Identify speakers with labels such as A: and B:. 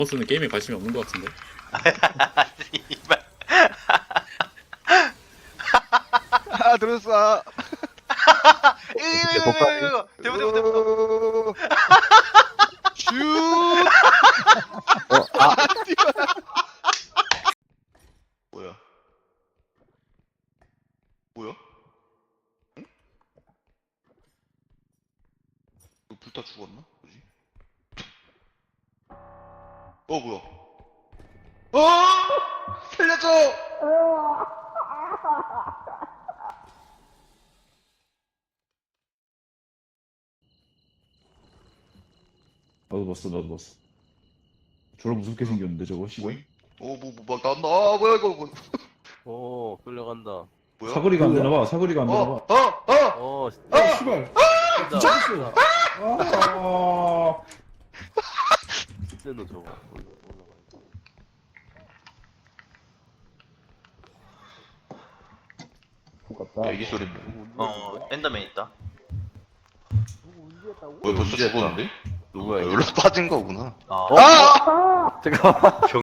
A: 보스는 게임에 관심이 없는 것 같은데.
B: 이발.
C: 아 들었어.
B: 이거 대보.
C: 슛.
B: 뭐야? 뭐야? 응? 불 다 죽었나? 뭐지? 뭐야? 살려줘!
D: 나도 봤어. 졸라 무섭게 생겼는데 저거 씨발.
B: 뭐임? 막 나온다. 아, 뭐야, 이거, 뭐.
E: 오, 끌려간다.
B: 뭐야?
D: 사거리가 안 되나봐. 사거리가 안 되나봐.
E: 씨발.
D: 미쳤어. 아.
E: 너 저거.
D: 똑같다.
B: 애기 소리인데.
F: 엔더맨 있다.
B: 왜 벌써 죽었는데?
E: 누구야, 이거?
B: 여기로 빠진 거구나.
F: 아,
E: 잠깐만.